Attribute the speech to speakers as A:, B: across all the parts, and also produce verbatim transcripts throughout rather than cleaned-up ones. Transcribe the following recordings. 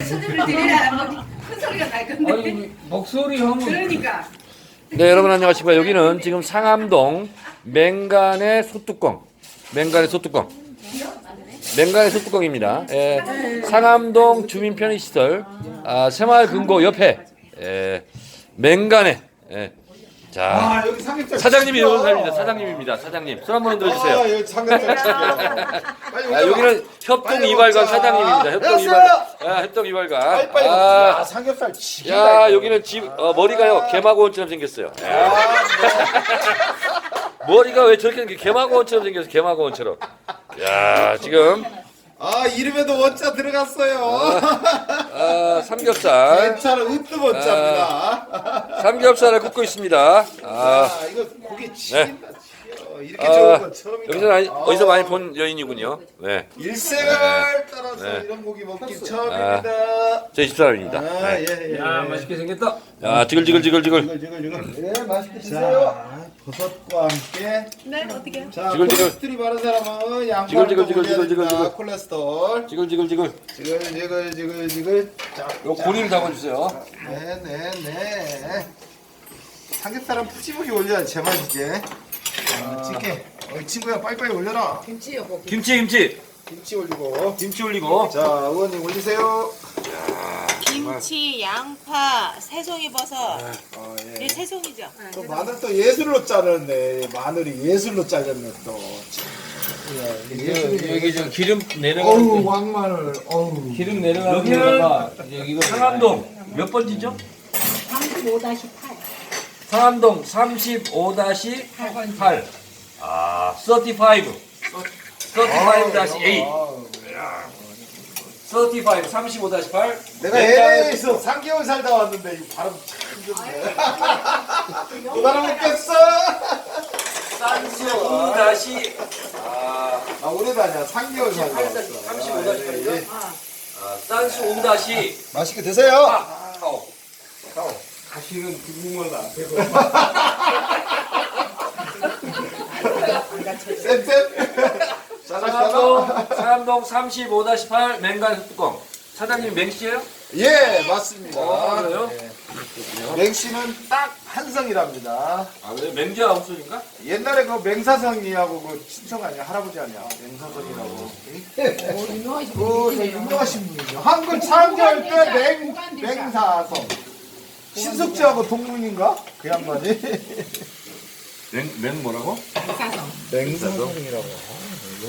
A: 소리를 들으라 뭐 큰 소리가 날 건데.
B: 아니 목소리 하면
A: 그러니까.
C: 네, 여러분 안녕하십니까. 여기는 지금 상암동 맹간의 소뚜껑, 맹간의 소뚜껑, 맹간의 소뚜껑입니다. 예, 상암동 주민 편의시설 아, 새마을금고 옆에 예, 맹간의 예, 자
D: 아 여기 삼겹살
C: 사장님이
D: 진짜.
C: 여기 살입니다. 사장님입니다. 사장님 손 한번 흔들어주세요.
D: 아 여기 삼겹살 진짜. 빨리
C: 아, 여기는 협동
D: 빨리
C: 이발관
D: 먹자.
C: 사장님입니다. 협동
D: 됐어요.
C: 이발관. 아, 협동 이발관.
D: 빨리 빨리.
C: 아,
D: 야 삼겹살 지긴다.
C: 야
D: 이거.
C: 여기는 집 어, 머리가요 개마고원처럼 생겼어요. 예.
D: 아,
C: 머리가 왜 저렇게 생겨? 개마고원처럼 생겼어. 개마고원처럼. 야 지금
D: 아 이름에도 원자 들어갔어요.
C: 아, 삼겹살
D: 괜찮아 으뜸 원자입니다.
C: 삼겹살을 굽고 있습니다. 아,
D: 아 이거 고기 지긴다. 지겨. 이렇게
C: 아,
D: 좋은 건 처음이다.
C: 여기서 많이,
D: 아,
C: 어디서 많이 본 여인이군요. 네,
D: 일생을 따라서
C: 네.
D: 이런 고기 먹기 처음입니다.
C: 저희 집사람입니다.
D: 아
C: 네.
D: 예 예.
B: 야 맛있게 생겼다.
C: 야 지글지글지글지글.
D: 지글 지글 지글. 네 맛있게 드세요. 버섯과 함께.
A: 네 어떻게?
D: 자,
C: 지글, 지글.
D: 콜레스테롤이 많은 사람은
C: 지글,
D: 양파를
C: 지글,
D: 또
C: 지글,
D: 올려야
C: 지글, 지글,
D: 됩니다.
C: 지글.
D: 콜레스테롤.
C: 지글지글지글.
D: 지글 지글 지글 지글. 자,
C: 요 고리를 잡아주세요.
D: 네네네. 삼겹살은 푸짐하게 올려야 제맛이지. 아, 찌개. 어, 친구야 빨리빨리 올려라.
A: 김치요 고기.
C: 김치 김치
D: 김치 올리고.
C: 김치 올리고.
D: 자, 의원님 올리세요.
E: 김치, 양파, 새송이버섯.
D: 어,
E: 이
D: 예.
E: 새송이죠?
D: 또 마늘 또 예술로 자르네. 마늘이 예술로 잘렸네 또. 참. 야, 이게 예술이네.
B: 여기 저 기름
D: 어우
B: 내려가는 거.
D: 왕마늘. 어우.
B: 기름 내려가는
C: 여기는
B: 거가 여기가
C: 상암동 몇 번지죠?
A: 삼십오 다시 팔.
C: 상암동 삼십오 팔. 아, 삼십오. 삼십오 다시 팔. 삼십오, 삼십오 팔.
D: 내가 엘에이에서 삼 개월 살다 왔는데 이 발음 참 좋네. 못 알아먹겠어.
C: 삼십오 다시 아,
D: 나 오래 다녀. 삼 개월 살다 왔어.
C: 삼십오 다시
D: 아, 예, 예.
C: 삼십오 다시
D: 맛있게 드세요.
C: 카오.
B: 다시는 구멍을 안 빼고.
D: 쌤쌤.
C: 상암동, 상암동 삼십오 팔 맹간 뚜껑. 사장님 맹씨예요?
D: 예, 맞습니다.
C: 어, 그래요?
D: 예. 맹씨는 딱 한성이랍니다.
C: 아, 그래? 맹자 아웃소인가?
D: 옛날에 그 맹사성이하고 그 친척 아니야? 할아버지 아니야? 맹사성이라고. 그 저 유명하신 분이죠. 한글 창조할 때 맹, 맹사성. 신숙지하고 동문인가? 그 양반이.
C: 맹, 맹 뭐라고?
D: 맹사성이라고.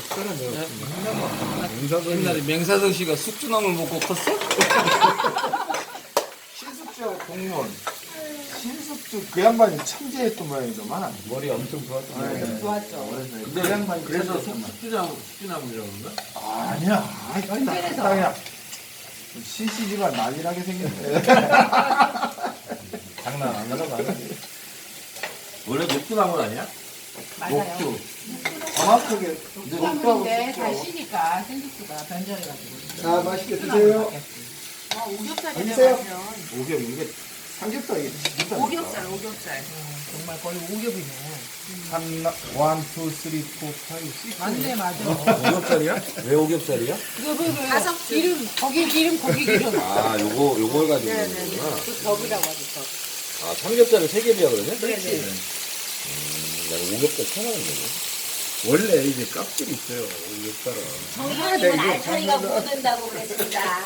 B: 옛날에 맹사성 씨가 숙주나물 먹고 컸어?
D: 신숙지하고 동문. 신숙주 그 양반이 천재였던 모양이더만.
B: 머리 엄청 좋았던
A: 좋았죠.
D: 그 양반이
B: 그래서
D: 그랬었단 말이야.
B: 숙주나물 숙주나물이라고 그런가?
D: 아니야. 아이, 땅이야. 신씨지가 난리나게 생겼네.
B: 장난 안 하는 거 아니야?
C: 원래 녹두나물 아니야?
A: 맞아요.
D: 정확하게.
A: 녹두인데 다 쉬니까 생육수가 변절해가지고.
D: 자, 맛있게 드세요.
E: 와, 오겹살이네,
D: 드세요.
E: 완전.
D: 오겹, 이게 삼겹살 이게 진짜.
E: 오겹살, 오겹살.
A: 정말 거의 오겹이네.
D: 삼, 원, 투, 쓰리, 포, 파이브, 식스.
A: 맞네 맞아.
C: 오겹살이야? 왜 오겹살이야?
A: 그거 그거 기름 고기 기름 고기 기름.
C: 아, 요거, 요걸 가지고
A: 네네네.
C: 있는구나.
A: 그 덕이라고 하죠 덕.
C: 아, 삼겹살을 세 개비야 그러네?
A: 그렇지.
C: 나는 오겹살 처음 하는 거네.
D: 원래 이제 깍들이 있어요, 오겹살은.
F: 정사님은 알타리가 묻는다고 그랬습니다.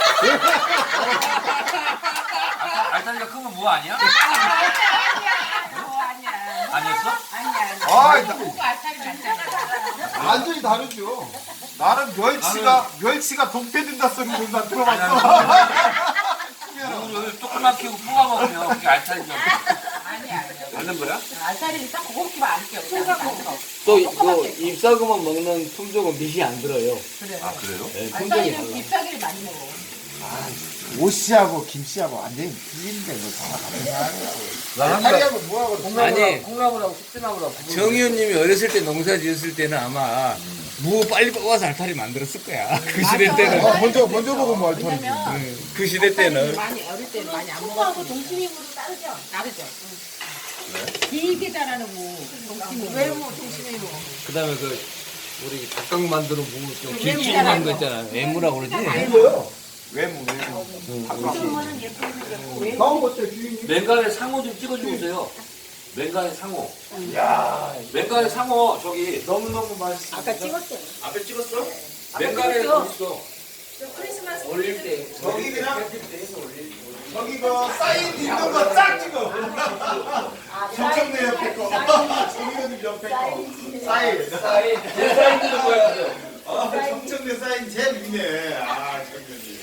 C: 알타리가 크면 뭐 아니야?
A: 뭐 아니야.
C: 아니었어?
A: 아니야 아니야.
D: 아, 나-
A: 그거 알타리 맞잖아.
D: 완전히 다르죠. 나는 멸치가, 멸치가 독대된다 소리를 난 들어봤어.
C: 오늘 조금만 키우고 뽑아 먹으면 그게 알타리죠.
A: 아니야 아니야.
C: 맞는 거야?
A: 알타리는 딱 그거만 안 껴. 콩가고.
B: 또그 잎사귀만 먹는 품종은 빛이 안 들어요.
A: 그래.
C: 아, 그래요?
B: 네, 품종이
A: 알타리는
B: 달라.
A: 잎사귀를 많이 먹어.
D: 오씨하고 김씨하고 완전히 틀린데, 이거 다 다른
B: 나
D: 알타리하고 뭐하고
B: 아니,
C: 콩나물하고 숙주나물하고
B: 정 의원님이 어렸을 때 농사 지었을 때는 아마 무 빨리 뽑아서 알타리 만들었을 거야. 그 시대 때는.
D: 어, 먼저, 먼저 먹으면 알타리지.
A: 왜냐면
B: 응, 그 시대 때는.
A: 많이 어릴 때는 많이 안
F: 콩하고
A: 먹었지.
F: 동치미물도 따르죠?
A: 다르죠. 길게 자라는 무. 동치미. 외무 동치미 무.
B: 그 다음에 그 우리 닭강 만드는 무좀
A: 그
B: 길쭉한
A: 외무라고.
B: 거 있잖아. 애무라고 그러지?
D: 이거요? 외모 외모.
F: 요즘은 예쁘게 생겼고 왜
D: 다음 것들 주인님.
C: 맹간에 상어 좀 찍어주고 오세요. 맹간에 상어.
D: 야
C: 맹간에 상어 저기
D: 너무 너무 맛있어.
F: 아까 찍었어요.
C: 앞에 찍었어? 맹간에 어딨어?
F: 크리스마스
B: 올릴 때
D: 저기 그냥
B: 편집돼서 올릴 때
D: 저기 그 사인 있는 거 쫙 찍어.
F: 아,
D: 정청래 옆에 거. 정의원님 옆에 거. 사인.
C: 사인 제 사인들은 보여주세요.
D: 아, 정청래 사인 제일 있네. 아, 정의원님.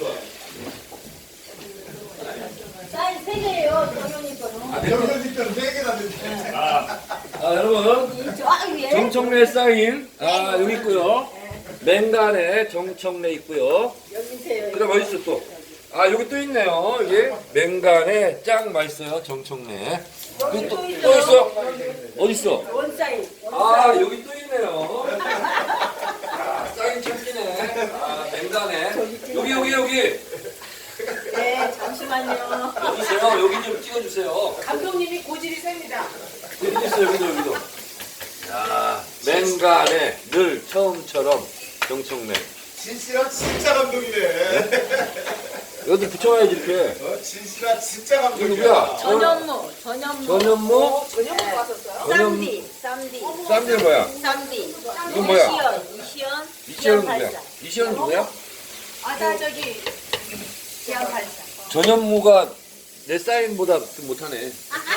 F: 사인 세 개예요. 정현이 거는.
D: 정의원님 거는 네 개나 됐네.
C: 아 여러분
F: 저 위에
C: 정청래 사인 아 여기 있고요. 맹간에 정청래 있고요.
F: 여기 있어요.
C: 그다음 어디 있어 또? 아 여기 또 있네요. 이게 맹간에 짱 맛있어요 정청래.
F: 여기
C: 또,
F: 또
C: 또
F: 있어요.
C: 있어? 어디 있어?
F: 원 사인.
C: 아 여기 또 있네요. 아 사인 참기네. 아 맹간에 여기 여기 여기
F: 네, 잠시만요.
C: 여기 있어요. 여기 좀 찍어주세요.
E: 감독님이 고질이 셉니다.
C: 여기 있어 여기도 여기도. 야 맹간에 늘 처음처럼 정청래.
D: 진실아 진짜 감동이네.
C: 여기 붙여놔야지 이렇게.
D: 어, 진실아 진짜
C: 이거
D: 감동이야.
C: 누구야?
F: 전현무, 전현무.
C: 전현무?
E: 전형으로 왔었어요?
F: 쌈디, 쌈디.
C: 쌈들 뭐야?
F: 쌈디.
C: 이건 뭐야?
F: 이시연, 이시연.
C: 이시연은 누구야?
F: 발사.
C: 이시연은 누구야?
E: 아, 나 저기 지하 발사.
C: 전현무가 내 사인보다 좀 못하네.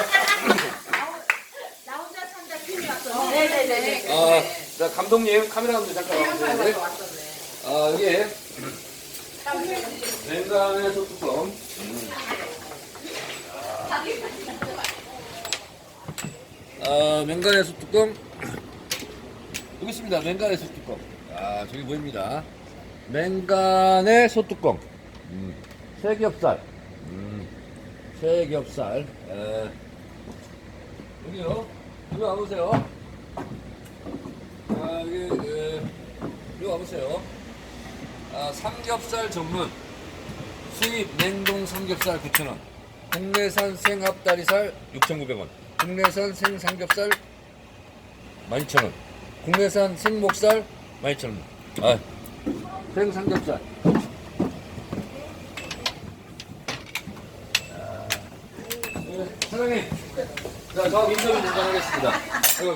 E: 나 혼자 산다 팀이 왔었네.
F: 네네네.
C: 아, 자 감독님 카메라 감독 잠깐 와주세요.
E: 왔었네.
C: 아 여기 맹간의 소뚜껑. 아 맹간의 소뚜껑 여기 있습니다. 맹간의 소뚜껑. 아 저기 보입니다. 맹간의 소뚜껑. 음, 새겹살. 음, 새겹살. 에. 여기요. 여기 와보세요. 아 여기 에, 여기 와보세요. 아, 삼겹살 전문 수입 냉동 삼겹살 구천 원, 국내산 생합다리살 육천구백 원, 국내산 생삼겹살 만 이천 원, 국내산 생목살 만 이천 원. 아, 생삼겹살. 아, 네, 사장님, 자, 저 인터뷰 잠깐 하겠습니다. 아이고,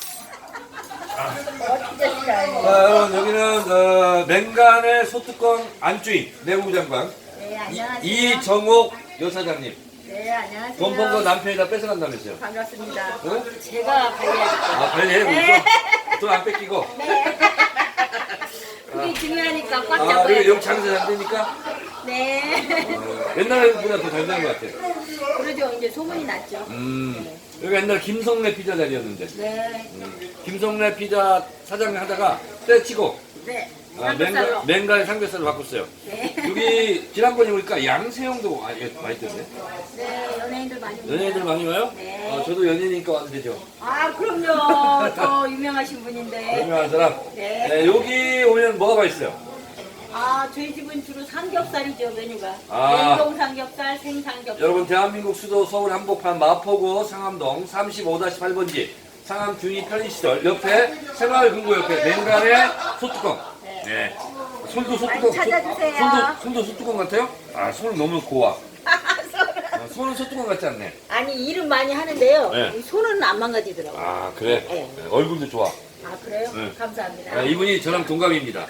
C: 자, 여러분 여기는 어, 맹간의 소뚜껑 안주인 내무부 장관
F: 네, 안녕하세요.
C: 이, 이정옥 여사장님.
F: 네, 안녕하세요.
C: 돈 번 거 남편이 다 뺏어간다면서요?
F: 반갑습니다.
C: 응?
F: 제가 관리하겠습니다.
C: 아 관리해
F: 네.
C: 돈 안 뺏기고.
F: 네. 그게 중요하니까 꽉
C: 아
F: 잡아야
C: 그리고
F: 돼.
C: 여기 장사 잘 되니까
F: 네.
C: 어, 옛날보다 더 잘 되는 것 같아요.
F: 그러죠. 이제 소문이 났죠.
C: 음 여기 옛날 김성래 피자 자리였는데
F: 네.
C: 음, 김성래 피자 사장님 하다가 때치고
F: 네.
C: 아,
F: 삼겹살로.
C: 맹간, 맹간의 삼겹살로 바꿨어요.
F: 네.
C: 여기 지난번에 보니까 양세형도 많이, 많이 있던데.
F: 네, 연예인들 많이 오세요.
C: 연예인들 많이 와요?
F: 네.
C: 아, 저도 연예인이니까 와도 되죠.
F: 아, 그럼요. 더 유명하신 분인데.
C: 유명한 사람.
F: 네.
C: 네, 여기 오면 뭐가 맛있어요?
F: 아, 저희 집은 주로 삼겹살이죠, 메뉴가.
C: 아.
F: 냉동 삼겹살, 생삼겹살.
C: 여러분 대한민국 수도 서울 한복판 마포구 상암동 삼십오 팔 번지 상암 균이 편의시설 옆에 새마을금고 옆에 맹간의 소뚜껑. 네. 손도 소뚜껑.
F: 많이 찾아주세요.
C: 손도, 손도 소뚜껑 같아요? 아, 손은 너무 고와. 아, 손은 소뚜껑 같지 않네.
F: 아니, 일은 많이 하는데요.
C: 네.
F: 이 손은 안 망가지더라고요.
C: 아, 그래?
F: 네.
C: 네, 얼굴도 좋아.
F: 아, 그래요?
C: 네.
F: 감사합니다.
C: 아, 이분이 저랑 동갑입니다.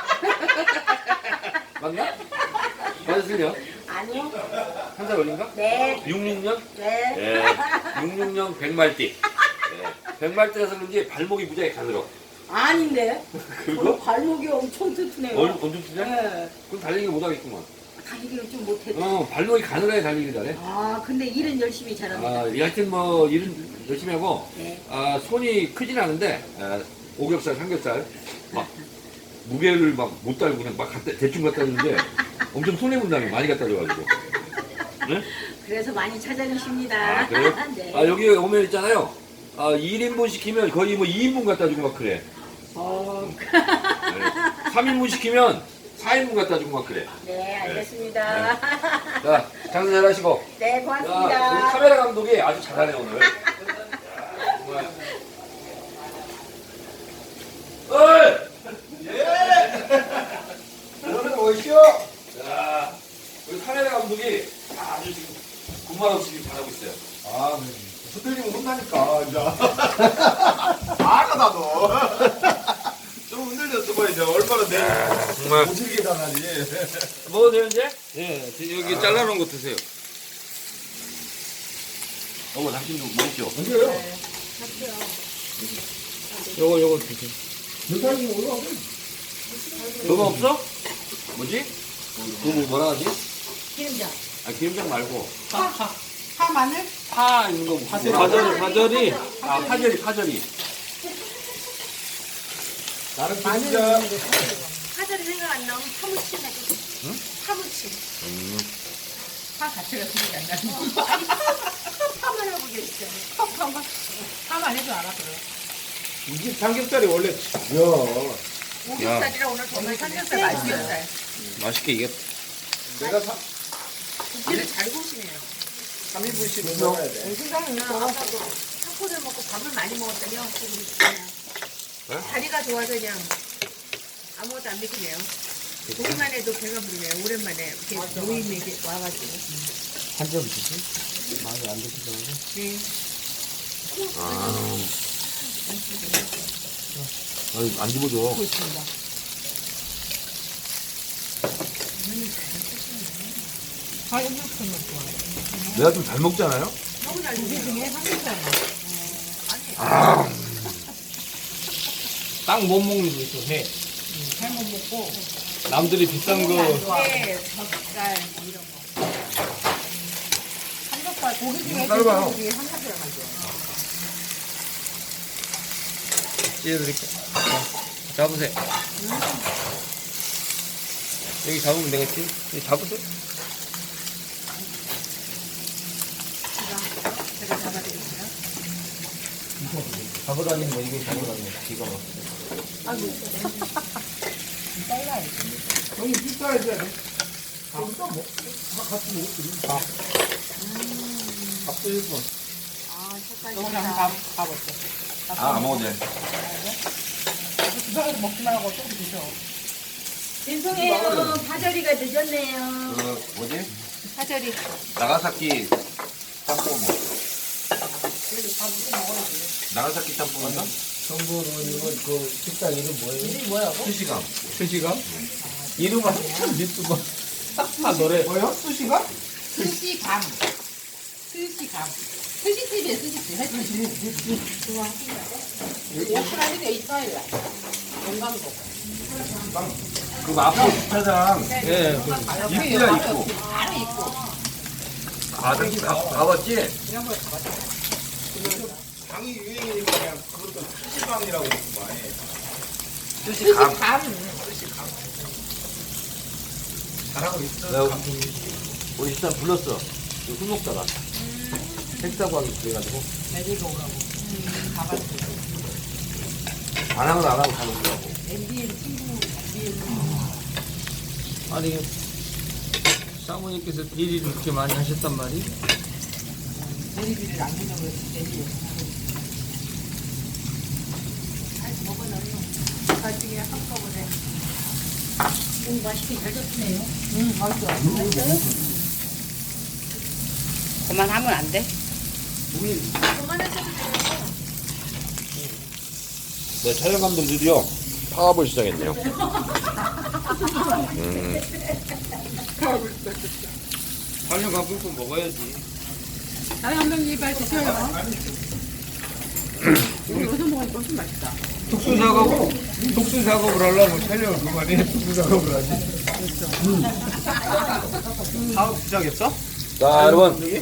C: 맞나? 맞으세요?
F: 아니요.
C: 한 살 어린가?
F: 네.
C: 육십육 년?
F: 네.
C: 네. 육십육 년 백말띠. 네. 백말띠라서 그런지 발목이 무지하게 가늘어.
F: 아닌데.
C: 그리고?
F: 저는 발목이 엄청 튼튼해요.
C: 얼, 엄청 크냐?
F: 네.
C: 그럼 달리기 못하겠구만.
F: 달리기를 좀 못해도.
C: 어, 발목이 가늘어야 달리기 잘해.
F: 아, 근데 일은 열심히 잘합니다.
C: 아, 하여튼 뭐, 일은 열심히 하고,
F: 네.
C: 아, 손이 크진 않은데, 아, 오겹살, 삼겹살, 막, 무게를 막 못 달고 그냥 막 갖다, 대충 갖다 주는데, 엄청 손해본다며, 많이 갖다 줘가지고. 네?
F: 그래서 많이 찾아주십니다.
C: 아, 그래요?
F: 네.
C: 아, 여기 오면 있잖아요. 아, 일 인분 시키면 거의 뭐 이 인분 갖다 주고 막 그래.
F: 어,
C: 네. 삼 인분 시키면 사 인분 갖다 주고 막 그래.
F: 네, 알겠습니다.
C: 자, 장사 잘 하시고.
F: 네,
C: 자, 우리
F: 고맙습니다.
C: 카메라 감독이 아주 잘하네, 오늘. 야, 정말. 어이!
D: 오늘 오시오.
C: 자, 감독이 아주 지금 군말 없이 지금 잘하고 있어요.
D: 아, 네. 흔들리면 혼나니까, 이제. 알아, 나도. 좀 흔들렸어, 봐, 이제. 얼마나 내
C: 정말.
D: 모질게 당하니.
C: 먹어도 돼요, 이제?
B: 예, 여기 잘라놓은 거 드세요.
C: 어머, 당신도 먹으시오.
D: 언제요?
B: 요거 요거 드세요.
D: 여기까지 올라가고.
C: 그거 없어? 뭐지? 그거 뭐라 하지?
A: 기름장.
C: 아, 기름장 말고.
A: 파, 파. 파 마늘?
C: 파 있는 거. 파절이, 파절이. 아, 파절이, 파절이.
D: 나는 진짜.
E: 파절이 생각 안 나면 파무침 해줘. 응? 파무침.
A: 파 자체가 생각이 안 나는 거.
E: 아니, 파, 파, 파만 하고 계시잖아요.
A: 파, 파만. 파만 해도 알아, 그래.
D: 이게 삼겹살이 원래 야
E: 오겹살이라 오늘 정말
A: 삼겹살 맛있겠다.
B: 맛있게 이게
D: 내가 사,
E: 고기를 잘 구우시네요.
D: 삼 인분씩 먹어야 돼.
E: 생각은 아까도 타코를 먹고 밥을 많이 먹었더니 고기 그냥 다리가 좋아서 그냥 아무것도 안 먹히네요. 보기만 해도 배가 부르네요. 오랜만에 이렇게 모임에 와가지고.
B: 한 점 드세요. 많이 안 드시더라고요.
E: 네.
C: 아. 아니, 안 집어줘.
A: 그렇습니다. 아, 이렇게 좋아.
C: 내가 좀 잘 먹잖아요?
E: 너무 잘
A: 고기
E: 드세요.
A: 중에 삼겹살 맛.
C: 아.
B: 딱 못 먹는 거 있어. 회.
A: 잘못 먹고.
B: 남들이 비싼 거
E: 네, 젓갈 뭐 이런 거.
A: 삼겹살, 고기 중에
D: 짧아요.
A: 고기 중에 삼겹살 맛이야.
B: 찢어드릴게요. 자, 잡으세요. 여기 잡으면 되겠지? 여기 잡으세요.
E: 제가 잡아드릴게요.
B: 잡으라는 거, 이게 잡으라는 거. 기가 막혀.
A: 잘라야지.
D: 형이 비싸야 돼. 밥도 먹, 다 같이 먹었지. 밥. 밥도 일 분.
E: 아, 색깔
A: 요거
E: 좋다.
A: 한번 밥, 밥 어때?
C: 아, 안 먹어도 돼.
A: 주방에서 먹지 말고 조금 드셔.
F: 죄송해요. 파절이가 늦었네요.
C: 그, 뭐지?
E: 파절이.
C: 나가사키 짬뽕 먹어.
A: 그래도 밥 먹고 먹어야지.
C: 나가사키 짬뽕인가?
B: 정부는 이거 그 식당 이름 뭐예요?
A: 이게 뭐라고?
C: 수시감.
B: 수시감? 이름은 참 유튜버. 아, 노래.
D: 뭐요? 수시가?
A: 스시감. 스시감. 스시집이에요, 스시집. 했지. 좋아. 오픈하게 돼 있어요. 영광도.
C: 그 앞에 주차장.
B: 예, 그
C: 입구야, 입구.
A: 바로 있고.
C: 아, 당신 가, 가봤지?
A: 이런 걸 가봤어.
D: 방이 유행이니까 그냥 그것도 수시방이라고 그랬구만.
C: 수시감.
A: 스시감.
D: 잘하고 있어.
C: 내가 우리 식당 불렀어. 그 술 먹다가. 택사고 하기 그래가지고.
A: 애들도 오라고. 가봤어.
C: 반항을 안 하고 가는 거라고.
A: 엠비엔 친구, 엠비엔
B: 아니, 사모님께서 일을 그렇게 많이 하셨단 말이?
A: 내리비를 안 주려고 그랬지, 엠비엔.
E: 잘 먹어놔요. 나중에 한꺼번에.
F: 오, 맛있게 잘 졌네요.
A: 응, 맛있어. 맛있어요? 그만하면 안 돼?
E: 그만하셔도 돼요.
C: 네, 촬영 감독 드디어 파업을 시작했네요. 음.
B: 촬영 가볼 거 먹어야지.
A: 다른 한 명이 빨리 드셔요. 우리 여기서 먹으니까 훨씬 맛있다.
B: 특수 작업으로, 특수 작업을 하려면 촬영을 그만해. 특수 작업을 하지. 사업 시작했어?
C: 자, 여러분.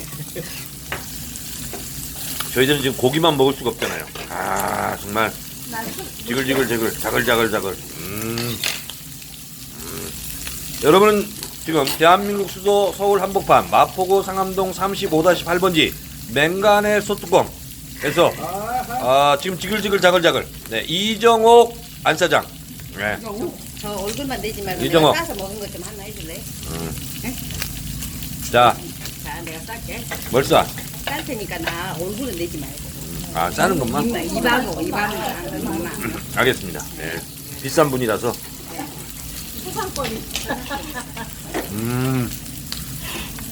C: 저희들은 지금 고기만 먹을 수가 없잖아요. 아, 정말. 지글지글지글, 자글자글자글. 음. 음. 여러분은 지금 대한민국 수도 서울 한복판 마포구 상암동 삼십오 팔 번지 맹간의 소뚜껑에서 아, 지금 지글지글 자글자글. 네, 이정옥 안사장. 네.
F: 저 얼굴만 내지 말고
C: 이정호.
F: 내가 싸서 먹은 것 좀 하나 해줄래?
C: 자,
F: 자, 내가 쌀게.
C: 뭘 쏴?
F: 쌀 테니까 나 얼굴은 내지 말고.
C: 아, 싸는 것만?
F: 입만, 입하고, 입하고 하는 것만.
C: 알겠습니다. 네. 비싼 분이라서.
F: 소상권이.
C: 음.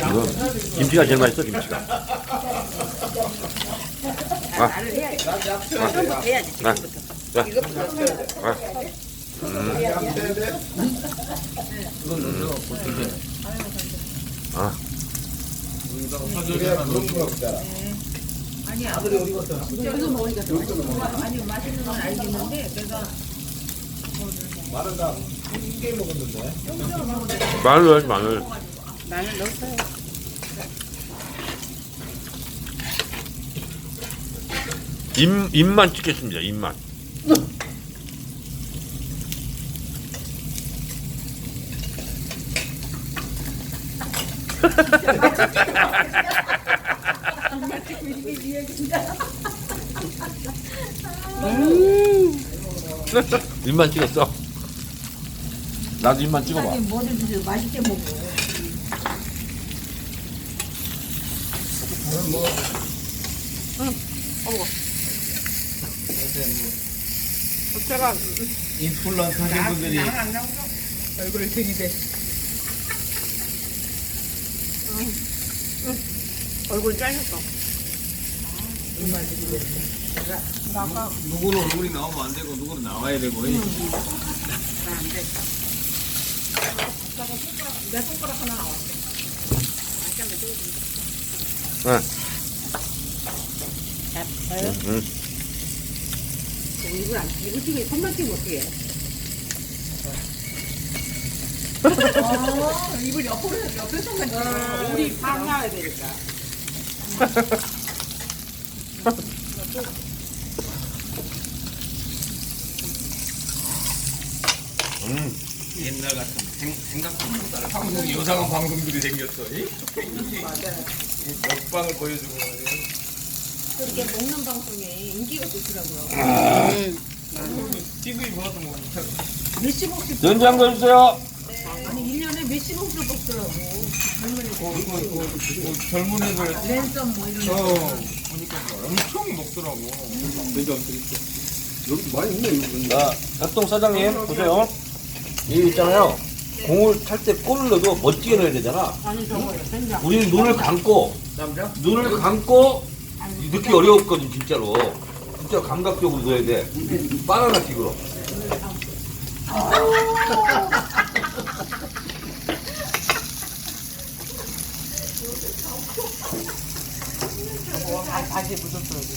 C: 이거 김치가 제일 맛있어 김치가. 아,
E: 나를 해야지.
D: 난 약수야 돼.
E: 해야지.
C: 아, 자,
E: 이것부터.
C: 아, 아,
D: 그래야 그런 거 없잖아.
E: 아니야. 여기서 먹으니까 더 맛있어. 아니 맛있는 건 알겠는데 내가
D: 마늘 다 이게 먹었는데.
C: 마늘 넣어야지 마늘.
E: 마늘 넣었어요.
C: 입 입만 찍겠습니다. 입만. 입만 찍었어. 나도 입만 찍어봐.
E: 뭐든 주세요. 맛있게 먹어. 제가
B: 인플루언서 하신 분들이
E: 안 나오죠? 얼굴을 들이대. 얼굴 잘렸어.
B: 누구는 얼굴이 나오면 안 되고 누구는 나와야 되고. 이.
E: 내 손가락 하나 나왔어.
C: 네.
E: 잡아요?
C: 응.
E: 이걸 안, 이거 튀기, 손만 튀면 어떻게 해? 어, 입을 옆으로, 옆에 손만 튀어. 우리 방 나와야 되니까.
C: 음.
B: 옛날 같은 생, 생각보다 한국 요상한 방송들이 생겼어. 이? 이 먹방을 보여주고 말이야.
E: 그렇게 먹는 방송에 인기가 좋더라고요.
B: 티비 보아도 뭐
E: 몇십억씩,
C: 된장 넣어주세요.
E: 아니, 일 년에 몇십억씩 먹더라고. 젊은이들.
B: 그, 그, 그, 그 젊은 애들
E: 랜선 뭐 이런
B: 어
E: 거.
B: 보니까 엄청 먹더라고.
C: 자, 협동 사장님 보세요. 이 있잖아요. 공을 찰 때 골을 넣어도 멋지게 넣어야 되잖아.
E: 아니, 저거, 된장.
C: 우리는 눈을 감고 눈을 감고 넣기 어려웠거든 진짜로. 진짜 감각적으로 넣어야 돼. 바나나 킥으로.
E: 바지에 묻었어, 여기.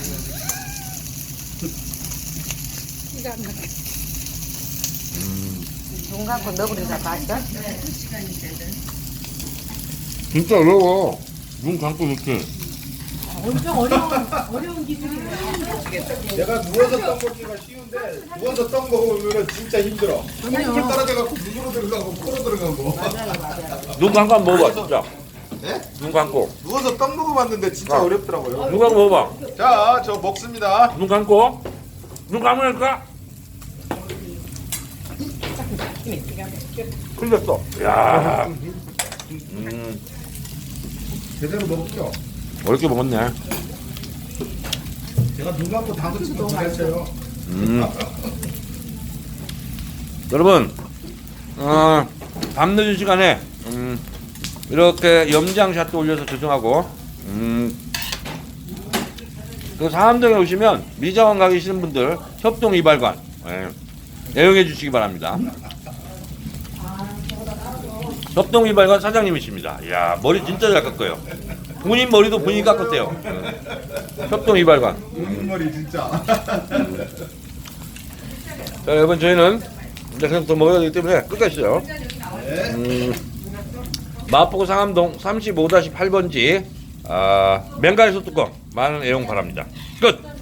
E: 기가 안 막혀. 눈 감고 넣어버리자, 맛있어?
C: 진짜 어려워. 눈 감고 넣기.
E: 엄청 어려운, 어려운 기술이네.
D: 내가 누워서 떡 먹기가 쉬운데 누워서 떡 먹으면 진짜 힘들어. 물 떨어져갖고 눈으로 들어가고 코로 들어가고.
C: 눈 감고 한번 먹어봐 진짜.
D: 네?
C: 눈 감고.
D: 누워서 떡 먹어봤는데 진짜
C: 아.
D: 어렵더라고요.
C: 눈 감고 먹어봐.
D: 자, 저 먹습니다.
C: 눈 감고. 눈 감으니까. 흘렸어. 야. 음.
D: 제대로 먹죠.
C: 어렵게 먹었네.
D: 제가 눈 감고 다 같이 못했어요.
C: 음. 여러분, 어, 밤늦은 시간에 음, 이렇게 염장샷도 올려서 죄송하고, 음, 그 상암동에 오시면 미장원 가기 싫은 분들 협동 이발관 예, 애용해 주시기 바랍니다. 협동 이발관 사장님이십니다. 이야, 머리 진짜 잘 깎아요. 본인 머리도 본인이 깎았대요. 예. 협동 이발관.
D: 눈머리 진짜.
C: 자, 여러분, 저희는 이제 그냥 더 먹어야 되기 때문에 끝까지 있어요. 음, 마포구 상암동 삼십오 다시 팔 번지 아, 맹가리 소뚜껑 많은 애용 바랍니다. 끝!